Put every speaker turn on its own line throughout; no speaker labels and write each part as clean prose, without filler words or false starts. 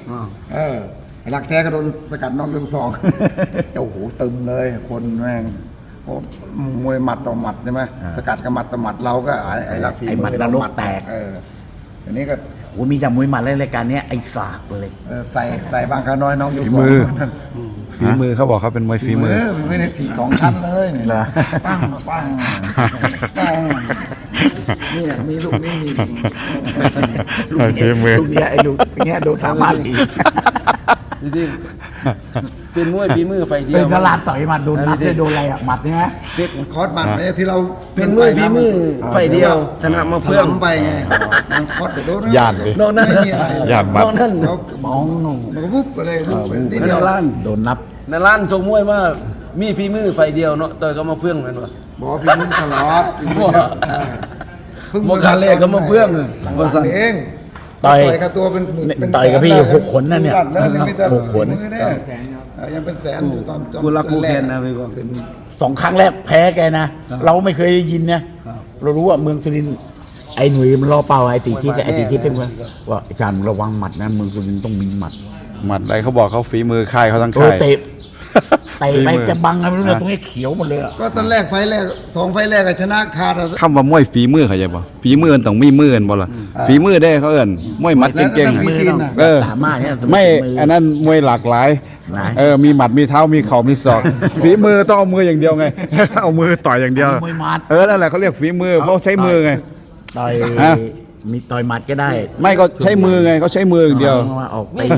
หลักแท้ก็โดนสกัดน็อกยก 2 โอ้โหตึมเลยคนแม่งมวยหมัดต่อหมัดใช่ไหมสกัดกับหมัดต่อหมัดเราก็ไอ้รักฝีมือเราหมัดแตกอันนี้ก็
โอ้มีจากมวยหมัดรายการนี้ไอ้สากเลย
ใส่บางขาน้อยน้องยก
ฝีมือเขาบอกเขาเป็นมวยฝีมือ
ไม่ได้ถีบ2 ชั้นเลยเนี่ยปั้งนี่มีลูกนี่มี
ลูกเนี้ยไอ้ลูกเนี้ยโดน3 ที
จริงๆเป็นมวยฝีมือไฟเดียว
เป็นกระลาต่อยหมัดโดนนัดจะโดนอะไรอ่ะหมัดใช่ไหม
เป็นคอร์สหมัดเนี่ยที่เรา
เป็นมวยฝีมือไฟเดียวชนะมาเฟื่อง
ไปไงมันคอร์สแต่โดน
ยานเลย
นอกนั้น
ยานบัตร
นั่น
มองหนุ่ม
มันก็วุบไปเลย
นิดเดียว
โดนนับ
ในร้านชงมวยมามีฝีมือไฟเดียวเนาะต่อยก็มาเฟื่องกันวะ
บอกฝีมือตลอด
โมกาเล่ก็มาเฟื่อง
เอง
ต่อย
กับตัวเป็น
ต่อยกับพี่6 ขนนั่นเนี่ย6 ขน
ยังเป็นแสนอยู่ตอน
กูรักกูแค้นนะพี่ก็
2 ครั้งแรกแพ้แกนะเราไม่เคยได้ยินนะเรารู้ว่าเมืองสุรินทร์ไอ้หนุ่ยมันรอเป่าไอ้ตีที่เป็นว่าอาจารย์ระวังหมัดนะเมืองสุรินทร์ต้องมีหมัด
อะไรเขาบอกเขาฝีมือค่ายเขาทั้งค่าย
เตะไปจะบังอะไรไม่รู้ตรงนี้เขียวหมดเลย
ก็ตอนแรกไฟแรก2 ไฟแรกชนะขาด
คำว่ามวยฝีมือเขาใช่ป่ะฝีมือต้องมีมือบ่ล่ะฝีมือได้เขาเอิ้นมวยหมัดเก่ง
ๆสามารถเนี่ย
ไม่อันนั้นมวยหลากหลายมีหมัดมีเท้ามีเข่ามีศอกฝีมือต้องเอามืออย่างเดียวไงเอามือต่อยอย่างเดียวนั่นแหละเขาเรียกฝีมือเพราะใช้มือไง
ต่อยมีต่อยหมัดก็ได้
ไม่ก็ใช้มือไงเขาใช้มืออย่างเดียว
ออกไป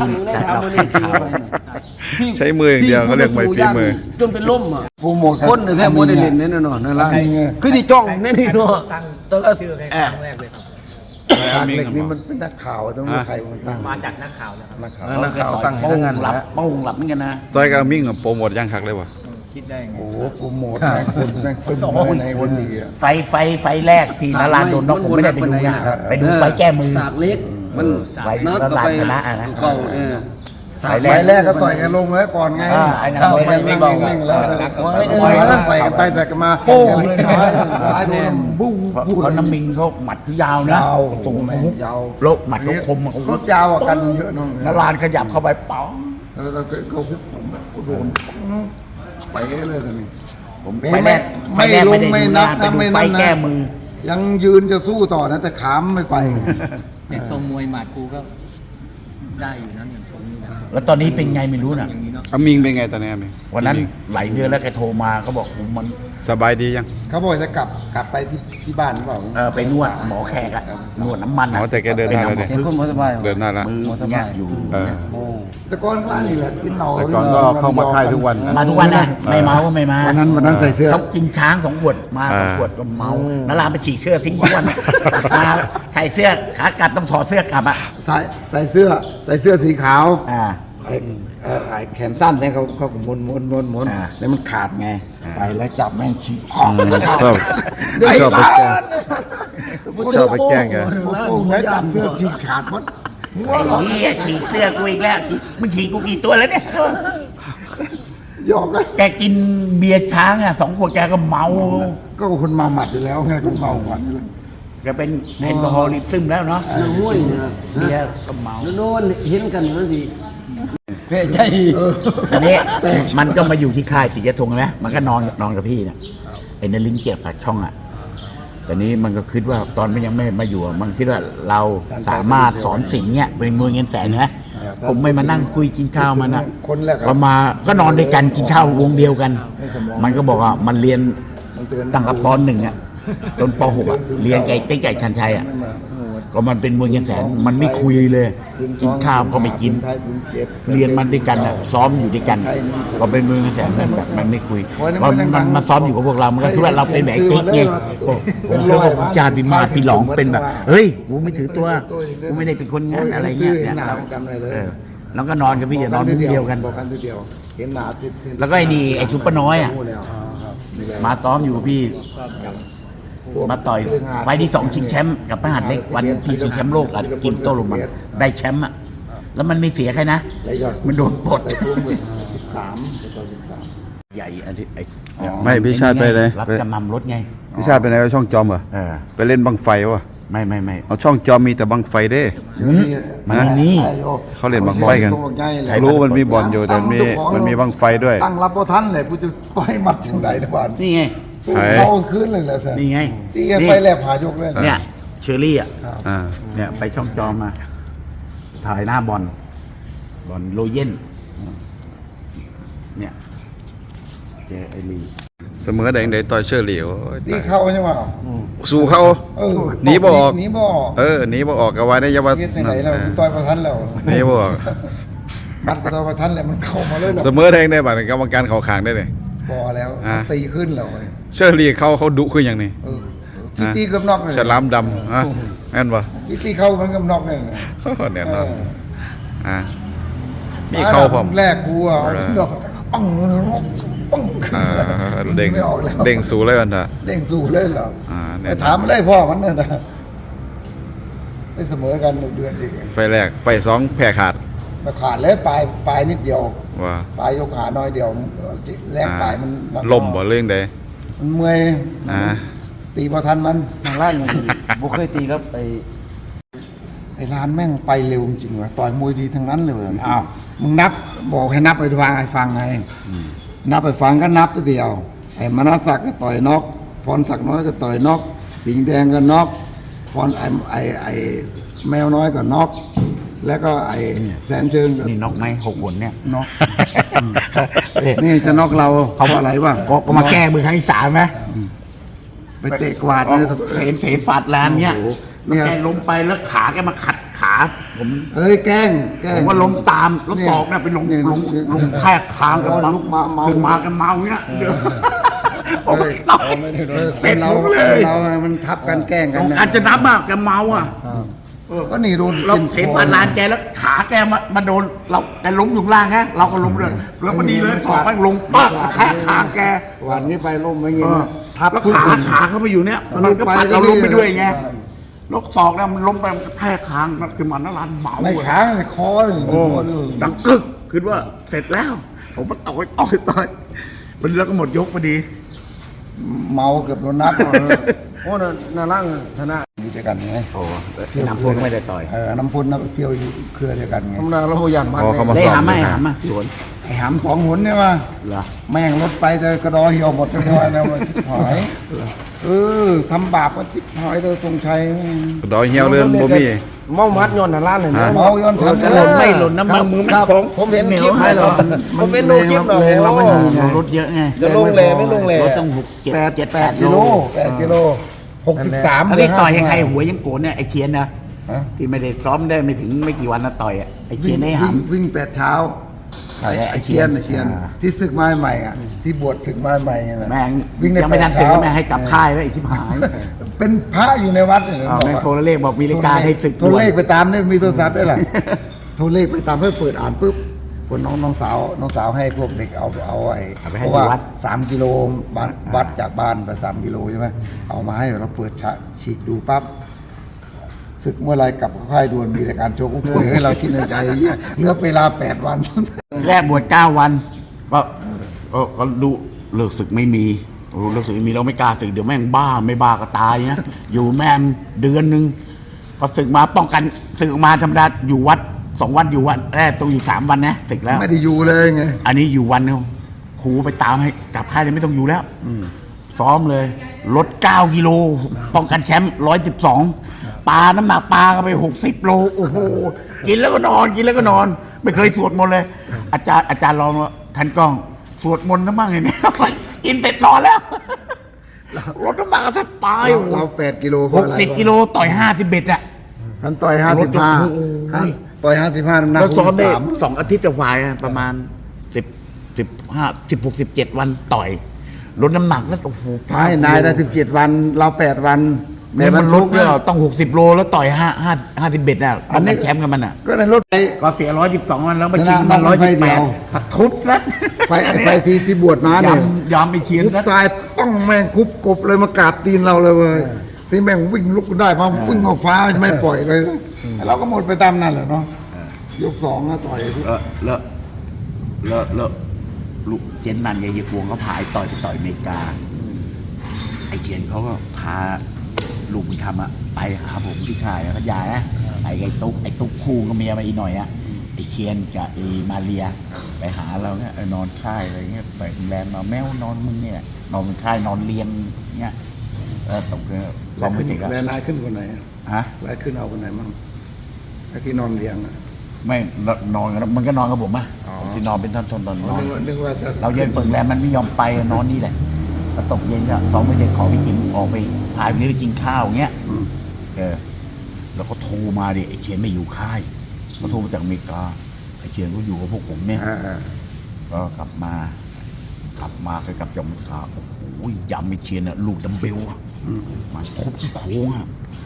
ใช้มืออย่างเดียวเขาเรียกมวยฝีมือ
จนเป็นล่มอ่ะคนแค่โมเดลเล่นแน่นอนนั่นแหละคือที่จ้องแน่นี่เนาะ
ตั้งชื่อใครครั้งแรกเลยครับเล็กนี่มันเป็นนักข่าวต้องมีใครตั้ง
มาจากนักข่าวนะครับ
นักข่าวตั้ง
โป้งหลับเหมือนกันนะ
ต่อยกับมิ่งกับโปรโมทย่างคักเลยวะ
คิดได้ไง
โอ้โหโปรโมทแม่คนแม่ตึ้งในคนดีอ่ะ
ไฟแรกที่นาราโดนน็อกผมไม่ได้ไปดูนะไปดูไฟแก้มือ
สากเล็กมัน
ไฟนาราชนะนะ
ไฟแรกก็ต่อยกันลงแล้วก่อนไงต่อยกันนิ่งๆแล้วใส่กันไปใส่กันมาโอ้ยท้ายโดนบุ้ง
เขาน้ำมิงเขาหมัดที่ยาวนะ
ตรงไหนยาว
โลกหมัดเขาคม
เขายาวกันเยอะน้อง
นาราขยับเข้าไปป๋อง
แล้วก็โดนไปเลยตอนนี้
ผมไม่
ลงไม่นับนะไม่นับ
แก้มือ
ยังยืนจะสู้ต่อนะแต่ขามไม่ไป
แต่ทรงมวยหมัดกูก็ได้อยู่นะอย่างทรงนี้นะ
แล้วตอนนี้เป็นไงไม่รู้น่ะ
อามิงเป็นไงตอนนี้อามิง
วันนั้นหลายเดือนแล้วแกโทรมาเขาบอกมัน
สบายดียัง
เขาบอกจะกลับไปที่บ้านหรือเปล่า
ไปนวดหมอแขกอะนวดน้ำมัน
แต่แกเดินได้เลย
คือคนสบาย
เดินได้แล้ว
มือเนี่ยอยู่
แต่ก่อนว่านี่แหละกินเหล้า
แต่ก่อนก็เข้ามาค่ายทุกวัน
มาทุกวันนะไม่เมาก็ไม่มา
วันนั้นใส่เสื้อ
เขากินช้าง2 ขวดมา2 ขวดก็เมานาราไปฉีกเสื้อทิ้งทุกวันมาใส่เสื้อขากลับต้องถอดเสื้อกลับอะ
ใส่เสื้อสีขาวไอ้แขนสั้นเนี่ยเขาม้วนแล้วมันขาดไงไปแล้วจับแม่งฉีกคอ
ชอบไปแกล้งแก
โอ้โหแล้วจับเสื้อฉีกขาดหมด
ไอ้เหี้ยฉีกเสื้อกูอีกแล้วมึงฉีกกูกี่ตัวแล้วเนี่ย
หยอกเลย
แกกินเบียร์ช้าง2 ขวดแกก็เมา
ก็คนเมาหมัดอยู่แล้วไงคนเมาหมัดนี่เลย
แกเป็นแอลกอฮอลิซึมแล้วเนาะ
ห้วย
เบียร์ก็เมา
โน่นเห็นกันนั่นสิเพ่ใจ
อันนี้มันก็มาอยู่ที่ค่ายจิตยธงนะมันก็นอนกับพี่นะไอ้นลินเกียรติผักช่องแต่นี้มันก็คิดว่าตอนมันยังไม่มาอยู่มันคิดว่าเราสามารถสอนสิ่งเนี้ยเป็นมือเงินแสนนะผมไม่มานั่งคุยกินข้าวมันนะก็มาก็นอนด้วยกันกินข้าววงเดียวกันมันก็บอกว่ามันเรียนตั้งแต่ป.1จนป.6เรียนไก่ติ๊กไก่ชันชัยก็มันเป็นมวยเงินแสนมันไม่คุยเลยกินข้าวก็ไม่กินเรียนมันด้วยกันซ้อมอยู่ด้วยกันก็เป็นมวยเงินแสนแบบมันไม่คุยมันมาซ้อมอยู่กับพวกเรามันก็คือว่าเราเป็นแบบติ๊กไงผมเคยบอกจารย์พิมาพี่หลองเป็นแบบเฮ้ยกูไม่ถือตัวกูไม่ได้เป็นคนงั้นอะไรเงี้ยแล้วก็นอนกับพี่นอนมุ้งเดียวกันแล้วก็ไอ้นี่ไอ้ซุปเปอร์น้อยมาซ้อมอยู่กับพี่มาต่อยไฟที่2ชิงแชมป์กับพระหัตถ์เล็กวันที่ชิงแชมป์โลกกินโต้ลงมาได้แชมป์แล้วมันไม่เสียใครนะมันโดนปลดใหญ่อันที่
ไม่พี่ชาติไปเลย
รับจำนำรถไง
พี่ชาติไปไหนช่องจอมเหรอไปเล่นบังไฟวะ
ไม่
เอาช่องจอมีแต่บังไฟเด้
มันไม่มี
เขาเล่นบังไฟกัน
ตัวใหญ่เลย
ใครรู้มันมีบอลอยู่แต่มันมีบังไฟด้วย
ตั้งรับบ่ทันเลยกูจะต่อยหมัดจังไดนะบ้าน
นี่ไง
สู้เขาขึ้นเลยแหละแท้
นี่ไง
นี่ไงไฟแลบหายกเลย
เนี่ยเชอรี่อ่ะ
อ่า
เนี่ยไปช่องจอมา ถ่ายหน้าบอลโลเย็นเนี่ยเจอไอรี
เสมอแดงใดต่อยเชอรี่โอ้ย
นี่เข้าใช่ไหม
สู้เขา
เออ
หนีบ่ออก
หนีบ่ออก
หนีบ่ออกก็ว่าได้อยาว่า
เฮ็ดจังไดแล้วกูต่อยบ่ทันแล้ว
หนีบ่ออก
มัดก็ต่อยบ่ทันแล้วมันเข้ามาเลยหรอ
เสมอแดงได้บัดนี้กรรมการเขาขางได้เลย
บ่แล้ว
อ่า
ตีขึ้นแล้วเว้ย
เชอรี่เขาดุคืออย่างนี้
เออพี่ตีเกับนอกเลย
ฉลามดำฮะแม่นบ่
พี่ตีเข้ามันเกับนอกเลยนะ
เนี่ยเนาะอ่ามีเข้าพร้อม
แรกกูอ่ะเอาดอกปังปัง
อ่าเด้ง
ไม่ออกแล้ว
เด้งสูเลยกันเถอะ
เด้งสู้เลยเหรอ
เนี่
ไป
ย
ถามมันได้พ่อมันนะไปเสมอกันเดือนอีก
ไฟแรกไฟสองแพ้ขาด
มาขาดเลยปลายนิดเดียว
ว่า
ปลายยกขาน้อยเดียวแรงปลายมัน
ล่มบ่เรื่องใด
มันเมื่อย
อ่า
ตีพอทันมัน
ทางล่างอย่างนี้บุเคยตีครับไอ้
ไอ้ร้านแม่งไปเร็วจริงว่ะต่อยมวยดีทั้งนั้นเลยว่ะอ้าวมึงนับบอกให้นับไปฟังไงนับไปฟังก็นับไปเดียวไอ้มนัสศักดิ์ก็ต่อยน็อกพรศักดิ์น้อยก็ต่อยน็อกสิงห์แดงก็น็อกพรไอ้แมวน้อยก็น็อกแล้วก็ไอ้แสนเชิงก็
นี่นกไหม6 หนเนี่ย
น็อกนี่จะน็อกเราเขาว่าอะไรวะ
ก็มาแก้มือครั้งที่ 3นะ
ไปเตะกวาดเนี่ย
เห็นฟาดลานเนี่ย
โอ้โห
แล้วแกล้มไปแล้วขาแกมาขัดขาผม
เอ้ยแกล้ง
ผมว่าล้มตามแล้วศอกเนี่ยไปลง
เนี่ย
ลงแทกคางกัน
ลุกมาเมา
คือมากันเมาเงี้ยเดี๋ยวผม
เอ้ย
ต่อย
ค
เตะ
นเรา
ผมเลย
เรามันทับกันแกล้งกันนะ
อาจจะนับมากแกเมาอ่ะ
ก็นี่โดน
เราเห็นฟาดลานแกแล้วขาแกมาโดนเราแกล้มอยู่ข้างล่างฮะเราก็ล้มเลยแล้วพอดีเลยศอกไปลงปั๊บแทกคางแก
วันนี้ไปล่มไม่เงี้ยทับ
แล้ว
ทุก
ขาเข้าไปอยู่เนี้ย
มัน
มันก็
ไป
ปัดเรา
ที่นี่
ล้มไปด้วยไงแลกศอกเนี่ยมันล้มไปมันกระแทกคางมันคือมันนั่นร้านเมา
ไม่
อะ
ค้างไม่คอเลย
โอ้ดังกึกคิดว่าเสร็จแล้ว ผมมาต่อยมันแล้วก็หมดยกพอดี
เมาเกือบโดนนับ
โอ้น่าล่างชนะ
อยู่ด้วยกันไง
โอ้น้ำพุไม่ได้ต่อย
น้ำพุนน้ำเพียวอยู่เครือเดียวกันไง
ธรรมดาเราพยายามมัน
พอเขามา
ได้
สอบ
หาไหม
อยู่
หา
นะ
มาสวน
ไอ้หาม2 หนเนี่ยมา
เหรอ
แม่งรถไปแต่กระดอเหี่ยวหมดทั้งวันแล้วชิบหายทำบาปก็ชิบหายตัวทรงชัย
ดอยเหี่ยวเรือนบ่มี
เมามัดย้อนทางล่างเลยนะ
เมาย้อนฉัน
จะหล่นไม่หล่นนะมันมือมันฟง
ผมเห็น
เหนี
คลิป
ให้
ให้
เรา
เราผมเป็นดูคลิปเรา
แรงเราไม่มีไง
รถเยอะไง
จะลงแลไม่ลงแล
รถต้อง8
กิโล8 กิโล 63
อันนี้ต่อยให้ใครหัวยังโกนเนี่ยไอ้เทียนนะ
ฮะ
ที่ไม่ได้ซ้อมได้ไม่ถึงไม่กี่วันนะต่อยอ่ะไอ้เทียนให้หาม
วิ่ง8 เช้า
ใครอะ
ไอ้เชียนที่ศึกมาใหม่อ่ะที่บวชศึกมาใหม่ไงนะ
แม่ง
วิ่งได้
ยังไม่ทัน
8
เสร็จ
เช้า
ก็แม่งให้กลับค่ายแล้วไอ้ชิบหาย
เป็นพระอยู่ในวัดเนี่ย
แม่งโทรเลขบอกมีรายการให้ศึก
โทรเลขไปตามเนี่ยมีโทรศัพท์ได้หรอ โทรเลขไปตามเพื่อเปิดอ่านปุ๊บคนน้องสาวให้พวกเด็กเอาไอ้
เอาไป
เพ
ให้
ราะว่า
ที่วัด
3 กิโลบ้านวัดจากบ้านไป3 กิโลใช่ไหมเอามาให้เราเปิดฉีกดูปั๊บศึกเมื่อไรกลับค่ายด่วนมีรายการโชว์กุ้ยให้เราคิดในใจเหลือเวลา8 วัน
แรกบวช9 วันก็ดูเลิกศึกไม่มีเลิกศึกไม่มีเราไม่กล้าศึกเดี๋ยวแม่งบ้าไม่บ้าก็ตายนะอยู่แม่งเดือนนึงพอศึกมาป้องกันศึกออกมาธรรมดาอยู่วัด2 วันอยู่วัดแรกต้องอยู่3 วันนะศึกแล้ว
ไม่ได้อยู่เลยไง
อันนี้อยู่วันเดียวครูไปตามให้กลับค่ายเลยไม่ต้องอยู่แล้วซ้อมเลยลด9 กิโลป้องกันแชมป์112ปลาน้ำหนักปลาก็ไป60 โลโอ้โหกินแล้วก็นอนกินแล้วก็นอน ไม่เคยสวดมนต์เลย อาจารย์ลองทันกล้องสวดมนต์นะบ้างไงเนี่ยกินเสร็จนอนแล้วลดน้ำหนักก็แทบตายโอ้โห
เรา8 กิโลเพราะอะไร
60 กิโลต่อย51อ่ะ
ฉันต่อย
รถโอ้โห
55ต่อย55น้ำหนัก
เราซ้อมได้
63
2 อาทิตย์จะวายนะประมาณ16 17 วันต่อยลดน้ำหนักแล้วโอ้โห
ไม่นายได้17 วัน เรา8 วัน
แม่มันลด
เล
เลย ยต้อง60 โลแล้วต่อย51อ่ะอันนี้แชมป์กันมันอ่ะ
ก็ในรถไป
ก็เสีย112วันแล้วมา
ช
ชิ
นะ
งมัน
น้องไฟเดียว
118ทุบซะ
ไฟที่บวชมาเนี่ย
ยอมไปเชียร์
ทุบ
นะ
ทรายป้องแม่งคุบกบเลยมากราบตีนเราเลยเว้ยที่แม่งวิ่งลุกได้มาวิ่งมาฟ้าไม่ปล่อยเลยเราก็หมดไปตามนั้นแหละเนาะยก2นะต่อย
แล้วลูกเจนนันยายกวงเขาพาไอ้ต่อยไปต่อยอเมริกาไอ้เขียนเขาก็พาลูกบุญธรรมอะไปหาผมที่ค่ายพัทยานะไอ้ตุ๊กคู่ก็เมียมาอีกหน่อยอะไอ้เคียนกับไอ้มาเรียไปหาเราเนี่ยนอนค่ายอะไรเงี้ยไปโรงแรมมาแมวนอนมึงเนี่ยนอนบนค่ายนอนเรียงเงี้ยตกเลยลองไปสิครับ
แล้วนายขึ้นคนไหน
ฮะ
นายขึ้นเอาคนไหนมั่งไอ้ที่นอนเรียงอะ
ไม่นอนกันมันก็นอนกับผมอะที่นอนเป็นท่อนๆตอนนอน
นึกว่าจะ
เราเย็นเปิดแรมมันไม่ยอมไปนอนนี่แหละพอตกเย็นก็สองไม่ได้ขอไปกินออกไปพายวันนี้ไปกินข้าวเงี้ยแล้วก็โทรมาดิไอ้เชียนไม่อยู่ค่ายเขาโทรมาจากอเมริกาไอ้เชียนก็อยู่กับพวกผมเนี่ยก็กลับมาไปกลับจากอเมริกาโอ้โหยำไอ้เชียนอะลูกดัมเบลอะมันทุบที่โค้งอะ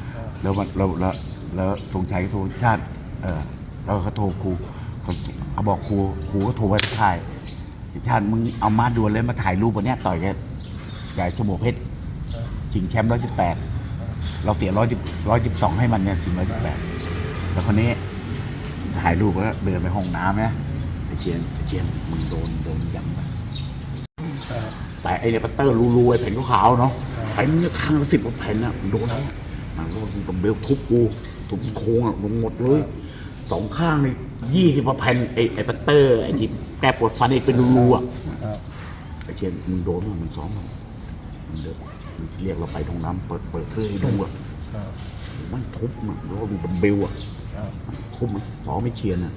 แล้วธงชัยก็โทรชาติแล้วเขาโทรครูเขาบอกครูก็โทรไปที่ค่ายชาติมึงเอามาด่วนเลยมาถ่ายรูปวันนี้ต่อยกับใหญ่ชโมเพชรชิงแชมป์118เราเสีย112ให้มันเนี่ยชิง118แล้วคนนี้ถ่ายรูปแล้วเดินไปห้องน้ำนะไอ้เชียนมึงโดนยำไปแต่ไอ้เนี่ยปัตเตอร์รูๆไอ้แผ่นขาวๆเนาะแผ่นเนี่ยข้างละ10 กว่าแผ่นนะโดนแล้วมันก็ตบเบลทุบกูทุบโค้งอ่ะลงหมดเลย2 ข้างเลย20 กว่าแผ่นไอ้ปัตเตอร์ไอ้ที่แกปวดฟันไอ้เป็นรูๆอ่ะไอ้เชียนมึงโดนมันซ้อมมันเดินเรียกเราไปตรงน้ำเปิดเครื่องให้ดูอ่ะมันทุบมันแล้วดูดัมเบลอ่ะทุบมันซ้อมไม่เชียนอ่ะ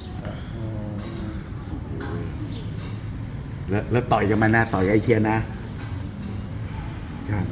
แล้วต่อยกันมานะต่อยไอ้เชียนนะใช่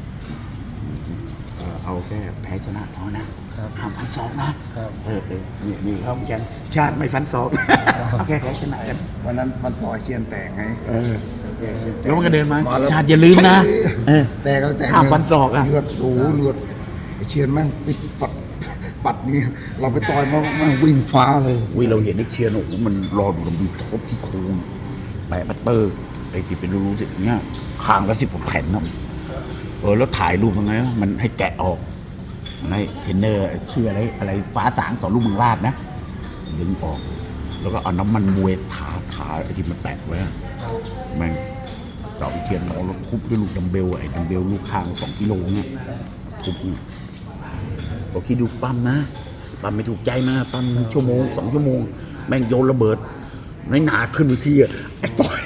เอาแค่แพ้ชนะพอนะห้ามฟันศอกนะนี่เขาเหมือนกันชาติไม่ฟันศอกเอาแค่แพ้ชนะกัน
วันนั้นมันซอยเชียนแตกไง
แล้วมันก็เดินมาชาติอย่าลืมนะ
แตก
ห้ามฟันศอกอ่ะ
เลือดไอ้เชียนแม่งปิดปัดนี่เราไปต่อยมันวิ่งฟ้าเลย
เราเห็นไอ้เชียนโอ้โหมันรอดูลำดูทบที่โค้งแปะปัตเตอร์ไอ้ที่เป็นรูๆสิเนี้ยคางละ10 กว่าแผ่นนะแล้วถ่ายรูปยังไงมันให้แกะออกในเทรนเนอร์ชื่ออะไรฟ้าสางสอนลูกเมืองราชนะดึงออกแล้วก็เอาน้ำมันมวยทาไอ้ที่มันแปะไว้แม่งเจาะเขียนเราทุบด้วยลูกดัมเบลไอ้ดัมเบลลูกข้าง2 กิโลเนี่ยทุบบอกคิดดูปั๊มนะปั๊มไม่ถูกใจมาปั๊ม1 ชั่วโมง 2 ชั่วโมงแม่งโยนระเบิดน้อยหนาขึ้นไปทีอ่ะไอ้ต้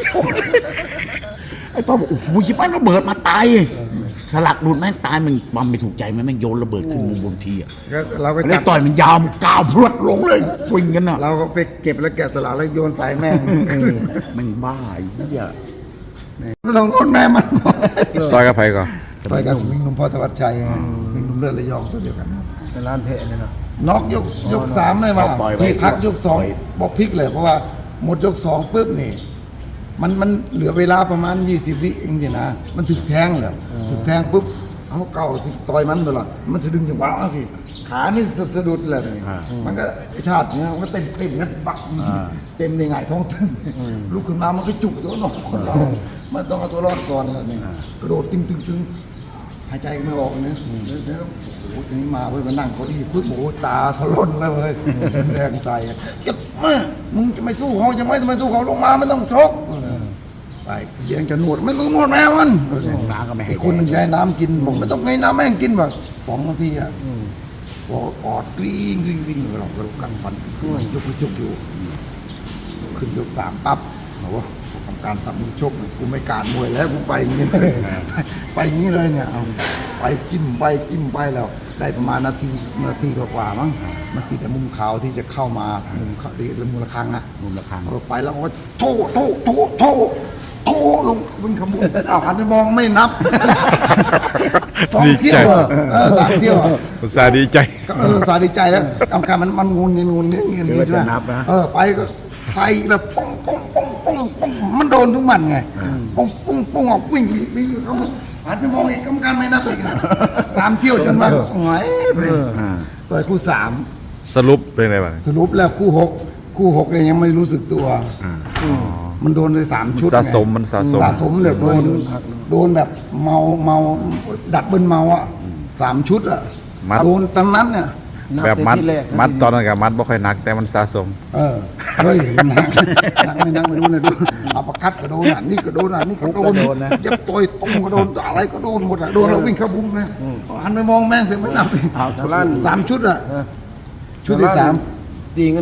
อยบอกโอ้โหชิบหายระเบิดมาตายสลักหลุดแม่งตายมันปั๊มไม่ถูกใจมันแม่งโยนระเบิดขึ้นบนทีอ่ะ
เราไป
แล้วต่อยมันยาวมันก้าวพรวดลงเลยวิ่งกันอ่ะ
เราก็ไปเก็บแล้วแกะสลักแล้วโยนใส่แม่ง
มันบ้าไอ้เหี้ย
ไม่ต้องโดนแม่มัน
ต่อยกับไผก่อน
ต่อยกับสมิงหนุ่มพ่อธวัชชัยไงสมิงหนุ่มเลือดระยองตัวเดียวกัน
เป็นร้านเทะเนี่ยนะ
น็อกยก 3เลยว่ะที่พักยก 2บอกพลิกเลยเพราะว่าหมดยก 2ปุ๊บนี่มันเหลือเวลาประมาณ20 วิเองสินะมันถึกแทงแล้วถึกแทงปุ๊บเอาเก่าสิต่อยมันตลอดมันสะดึงจังหวะสิขานี่สะดุดเลยมันก็ชาติเนี่ยมันก็เต็มนั้นปักเต็มในหงายท้องตึ้งลุกขึ้นมามันก็จุกตัวหนอกคนเรามันต้องเอาตัวรอดก่อนแล้วนี่กระโดดตึงหายใจไม่ออกนะแล้วโอ้โหทีนี้มาเว้ยมานั่งเก้าอี้ปุ๊บโอ้โหตาถลนแล้วเว้ยแรงใส่จะมึงจะไม่สู้เขาจะไม่สู้เขาลงมาไม่ต้องชกไปเสียงจะนวดไม่ต้องนวดแม่มัน
น้ำก็ไม่ให้
ไอ้คนหนึ่งให้น้ำกินผมไม่ต้องให้น้ำแม่งกินแบบ2 นาทีอ่ะพออดกรี๊งเราก็กัดฟันยกอยู่ขึ้นยก 3ปั๊บเราว่าทำการสับมือชกกูไม่การมวยแล้วกูไปอย่างนี้เลยไปอย่างนี้เลยเนี่ยเอาไปจิ้มไปแล้วได้ประมาณนาทีกว่ามั้งมันติดแต่มุมขาวที่จะเข้ามามุมเขาที่มุมระฆังอ่ะ
มุมละครั้ง
เราไปแล้วก็โถลงวิ่งขบวนหันไปมองไม่นับ 2 เที่ยว3 เที่ยว
อุตส่าห์ดีใจ
ก็สาดีใจแล้วกรรมการมันงนเงี้ยใช่ไหมไปก็ใส่แล้วป้องมันโดนทุกมันไงป้องออกวิ่งเขาหันไปมองอีกกรรมการไม่นับอีก3 เที่ยวจนว่าสวยต่อยคู่ 3
สรุปเป็นไงบ้าง
สรุปแล้วคู่6เลยยังไม่รู้สึกตัวมันโดนเลย3 ชุด
สะสม
เลยโดนแบบเมาดัดเบิ้ลเมาอ่ะ3 ชุดอ่ะโดนตอนนั้นเนี่ย
แบบมัด
ที่แรก
มัดตอนนั้นกับมัดบ่ค่อยหนักแต่มันสะสม
เฮ้ยมันหนักไม่นักไม่รู้นะดูเอาประคัดก็โดนอ่ะนี่ก็โดนอ่ะนี่ก็โดนเย็บต่อยตรงก็โดนอะไรก็โดนหมดอ่ะโดนเราวิ่งเข้าบุ้งนะหันไปมองแม่งเสียไม่นับ
เอาชาวบ้าน
3 ชุดอ่ะชุดที่
ตีเงิน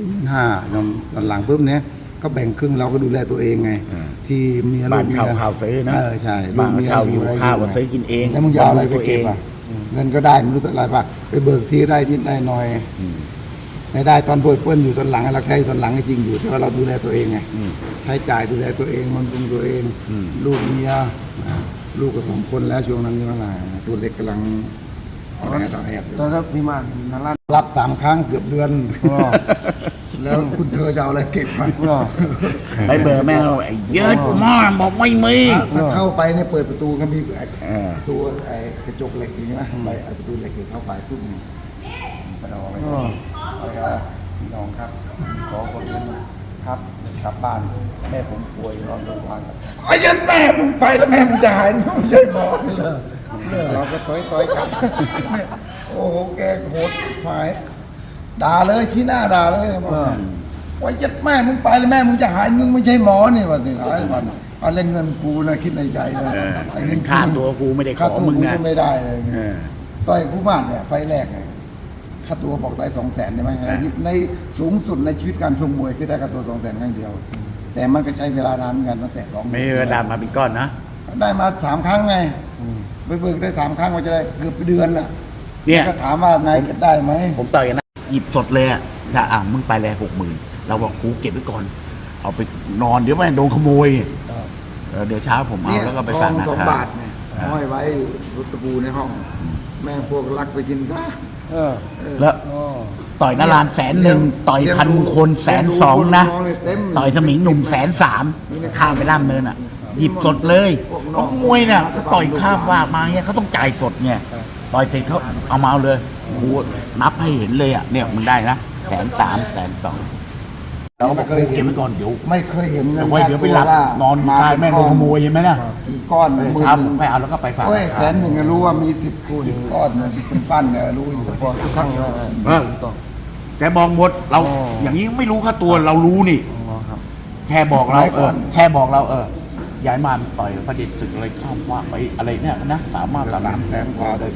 3 4,500หลังปุ๊บเนี้ยก็แบ่งครึ่งเราก็ดูแลตัวเองไง ที่เมียลู
บ้าน
ก
เช่า
เมีย
ข้าวซื้อนะ
ใช่
บ้านเช่าอยู่ข้าวก็ซื้อกินเอง
แล้วมึงจะเอาอะไรไป
ตัว
เก็บอ่ะเงินก็ได้ไม่รู้เท่าไหร่ป่ะไปเบิกทีได้นิดได้หน่อยไม่ได้ตอนป่วยเปิ้ลอยู่ตอนหลังเราใช้ตอนหลังจริงอยู่แต่ว่าเราดูแลตัวเองไงใช้จ่ายดูแลตัวเองบำรุงตัวเอง ลูกเมียลูกก็2 คนแล้วช่วงนั้นนี่ว่าอะไรตัวเล็กกำลังต่อแอบ
ตอนนั้นพี่มานนารา
รับ3 ครั้งเกือบเดือน แล้วคุณเธอจะเอาอะไรเก็บมา
ไปเบอร์แม่เราไอ้เยอะมากบอกไม่มี
ถ้าเข้าไปเนี่ยเปิดประตูก็มี
เออ
ประตูไอ้กระจกเหล็กอย่างนี้นะไปไอ้ประตูเหล็กเข้าไปปุ๊บไปเอาอะไรเอาไปพี่น้องครับขอคนนึงครับกลับบ้านแม่ผมป่วยนอนโรงพยาบาลไอ้ยันแม่มึงไปแล้วแม่มึงจะหายไม่ใช่หมอนี่เลยเราก็ต้อยกลับโอ้โหแกโหดหายด่าเลยชี้หน้าด่าเลยบอกว่ายัดแม่มึงไปแล้วแม่มึงจะหายมึงไม่ใช่หมอนี่วะสิไอ้วันเอาเล่นเงินกูนะคิดในใจนะไอ้เงิน
ค่าตัวกูไม่ได้ข
ค่า
อ
ตัว
มึง
กู
นะ
ก็ไม่ได้เลย
เออ
ต่อยคู่บ้านเนี่ยไฟแรกไงค่าตัวบอกได้200,000ใช่ไหมในสูงสุดในชีวิตการชมมวยคือได้ค่าตัว200,000ครั้งเดียว แต่มันก็ใช้เวลานานเหมือนกันตั้งแต่2
ไม่มีเวลามาเป็นก้อนนะ
ได้มา3 ครั้งไงไปเบิกได้3 ครั้งมันจะได้เกือบเดือนน่ะ
เนี่ย
ก็ถามว่านายเก็บได้ไหม
ผมต่อยกันนะหยิบสดเลยอ่ะถ้ามึงไปเลย60,000เราบอกกูเก็บไว้ก่อน เอาไปนอนเดี๋ยวแม่งโดนขโมยเดี๋ยวเช้าผมเอาแล้วก็ไปฝาก
ทอง
นะ
2
ครับ
บาทเนี่ยห้อยไว้รุตะปูในห้อง แม่พวกลักไปกินซะ
แล้วต่อยนาราน100,000ต่อยพันมงคล120,000นะต่อยสมิงหนุ่ม130,000ข้ามไปล่ามเนินอ่ะ หยิบสดเลยน้องมวยเนี่ยเขาต่อยข้ามว่ามาเนี่ยเขาต้องจ่ายสดเนี่ยต่อยเสร็จเขาเอามาเอาเลยกูนับให้เห็นเลยอ่ะเนี่ยมึงได้นะ130,000 120,000เราบอกกูเก็บไว้ก่อนเดี๋ยว
ไม่เคยเห็นเงิน
เอาไว้เดี๋ยวไปหลับนอน
มา
ตายแม่งโดนขโมยเห็นไหมล่ะ
กี่ก้อน
เช้าผมไปเอาแล้วก็ไปฝาก
โอ้ย100,000ก็รู้ว่ามี10 ก้อนเนี่ย10 ปั้นเนี่ยรู้อยู่
พอทุกครั้งเลย
แกบอกหมดเราอย่างนี้ไม่รู้ค่าตัวเรารู้นี่ แค่บอกเราแค่บอกเราย้ายมาต่อยประเด็นตึกอะไรข้ามว่าไปอะไรเนี่ยนะสามารถ300,000 กว่าได้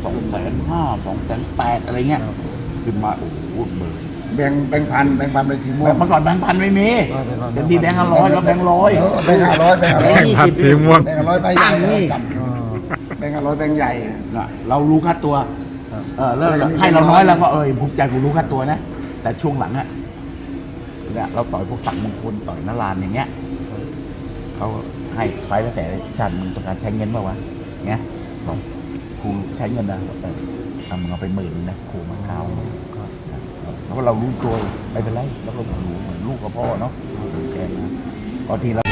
250,000 280,000อะไรเงี้ยขึ้นมาโอ้โหเบอร์
แบ่งพันเป็นสีม่วง
เมื่อก่อนแบงค์พันไม่มีเดี๋ยวดีแบงค์500แล้วแบงค์100
แบงค์500แบงค์
แบงค์
500
20
สีม่วง
แบงค์500ใบใหญ่
ตั้งนี่
แบงค์500แบงค์ใหญ่
น่ะเรารู้ค่าตัวแล้วให้เราน้อยแล้วก็ภูมิใจกูรู้ค่าตัวนะแต่ช่วงหลังเนี่ยเราต่อยพวกฝั่งมงคลต่อยนารานอย่างเงี้ยเขาให้ไฟล์ละแสนชันมึงต้องการใช้เงินเปล่าวะเงี้ยบอกครูใช้เงินนะเอามึงเอาไป10,000นะครูมาข้าวแล้วก็เรารู้ตัวไม่เป็นไรแล้วก็รู้เหมือนลูกกับพ่อเนาะแกนะบางทีเรา